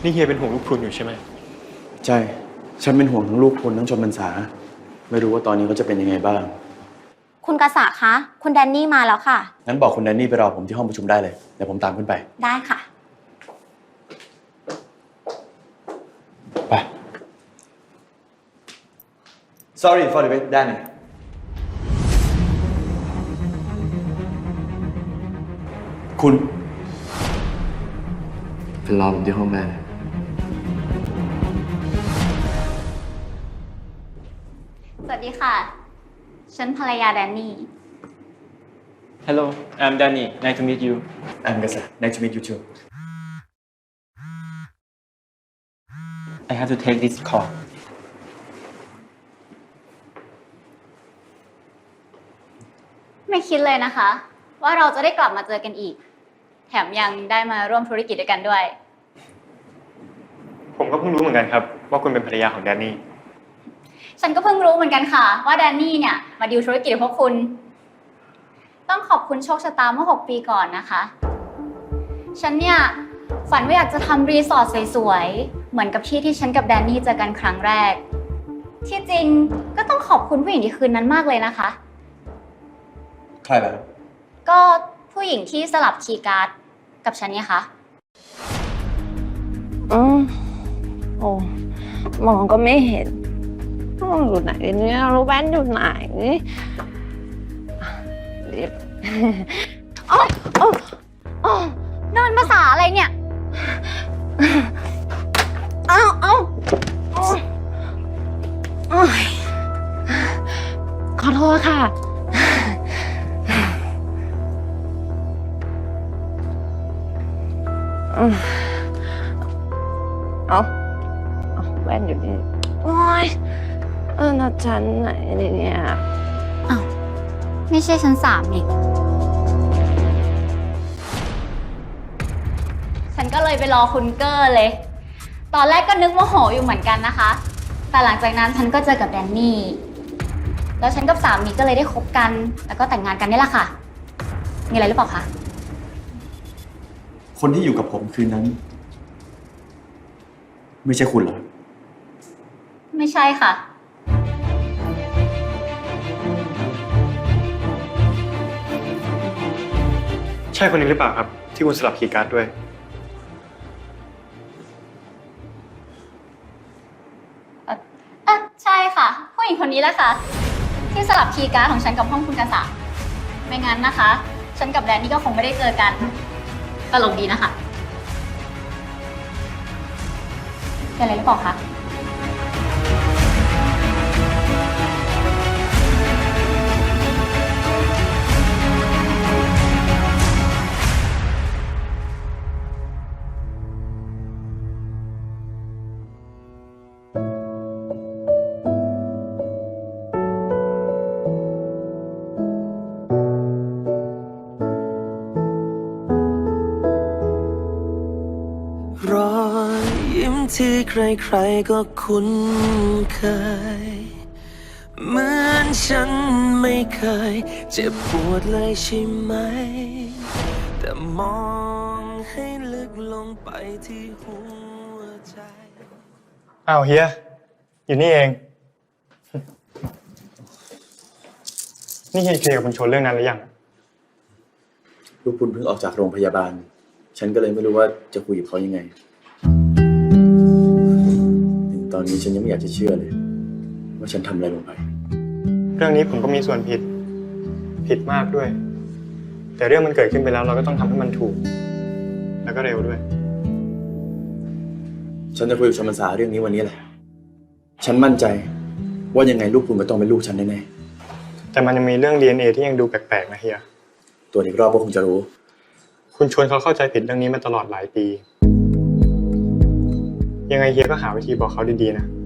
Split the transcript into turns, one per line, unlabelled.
นี่เฮียเป็นห่วงลูกพรุนอยู่ใช่ไหม
ใช่ฉันเป็นห่วงทั้งลูกพลทั้งชนพรรษาไม่รู้ว่าตอนนี้เขาจะเป็นยังไงบ้าง
คุณกษะคะคุณแดนนี่มาแล้วค่ะ
งั้นบอกคุณแดนนี่ไปรอผมที่ห้องประชุมได้เลยเดี๋ยวผมตามขึ้นไป
ได้ค่ะ
ไป Sorry for the wait Danny คุณเป็นรอผมที่ห้องได้เลย
สวัสดีค่ะฉันภรรยาแดนนี่
Hello I'm Danny nice to meet you
I'm Gasa nice to meet you too
I have to take this call
ไม่คิดเลยนะคะ ว่าเราจะได้กลับมาเจอกันอีกแถมยังได้มาร่วมธุรกิจด้วยกันด้วย
ผมก็เพิ่งรู้เหมือนกันครับว่าคุณเป็นภรรยาของแดนนี่
ฉันก็เพิ่งรู้เหมือนกันค่ะว่าแดนนี่เนี่ยมาดีลธุรกิจกับพวกคุณต้องขอบคุณโชคชะตาเมื่อ6 ปีก่อนนะคะฉันเนี่ยฝันว่าอยากจะทำรีสอร์ทสวยๆเหมือนกับที่ฉันกับแดนนี่เจอกันครั้งแรกที่จริงก็ต้องขอบคุณผู้หญิงที่คืนนั้นมากเลยนะคะ
ใครล่ะ
ก็ผู้หญิงที่สลับคีย์การ์ดกับฉันเนี่ยค่ะ
โอ้มองก็ไม่เห็นอยู่ไหนเนี่ยรู้แว่นอยู่ไหน
นอนภาษาอะไรเนี่ย
ขอโทษค่ะแว่นอยู่นี่โอ๊ยนัดฉันไหนเนี่ย
อ้าวไม่ใช่ชั้น3นี่ฉันก็เลยไปรอคุณเกอร์เลยตอนแรกก็นึกโมโหอยู่เหมือนกันนะคะแต่หลังจากนั้นฉันก็เจอกับแดนนี่แล้วฉันกับสามีก็เลยได้คบกันแล้วก็แต่งงานกันนี่แหละค่ะมีอะไรหรือเปล่าคะ
คนที่อยู่กับผมคืนนั้นไม่ใช่คุณเหรอ
ไม่ใช่ค่ะ
ใช่คนนี้หรือเปล่าครับที่คุณสลับคีย์การ์ดด้วย
ใช่ค่ะผู้หญิงคนนี้แหละค่ะที่สลับคีย์การ์ดของฉันกับห้องคุณกษะไม่งั้นนะคะฉันกับแดนนี่ก็คงไม่ได้เจอกันตลกดีนะคะเป็นอะไรหรือเปล่าคะ
รอยยิ้มที่ใครๆก็คุ้นเคยเหมือนฉันไม่เคยเจ็บปวดเลยใช่ไหมแต่มองให้ลึกลงไปที่หัวใจ
อ้าวเฮียอยู่นี่เองนี่เฮียเคลียร์กับคุณชนเรื่องนั้นหรือยัง
ลูกคุณเพิ่งออกจากโรงพยาบาลฉันก็เลยไม่รู้ว่าจะคุยกับเขายังไงถึงตอนนี้ฉันยังไม่อยากจะเชื่อเลยว่าฉันทำอะไรลงไป
เรื่องนี้ผมก็มีส่วนผิดมากด้วยแต่เรื่องมันเกิดขึ้นไปแล้วเราก็ต้องทำให้มันถูกแล้วก็เร็วด้วย
ฉันจะคุยกับชมพรรษาเรื่องนี้วันนี้แหละฉันมั่นใจว่ายังไงลูกคุณก็ต้องเป็นลูกฉันแน่
ๆแต่มันยังมีเรื่อง DNA ที่ยังดูแปลกๆนะเฮีย
ตัวอีกรอบก็คงจะรู้
คุณชวนเขาเข้าใจผิดเรื่องนี้มาตลอดหลายปียังไงเฮียก็หาวิธีบอกเขาดีๆนะ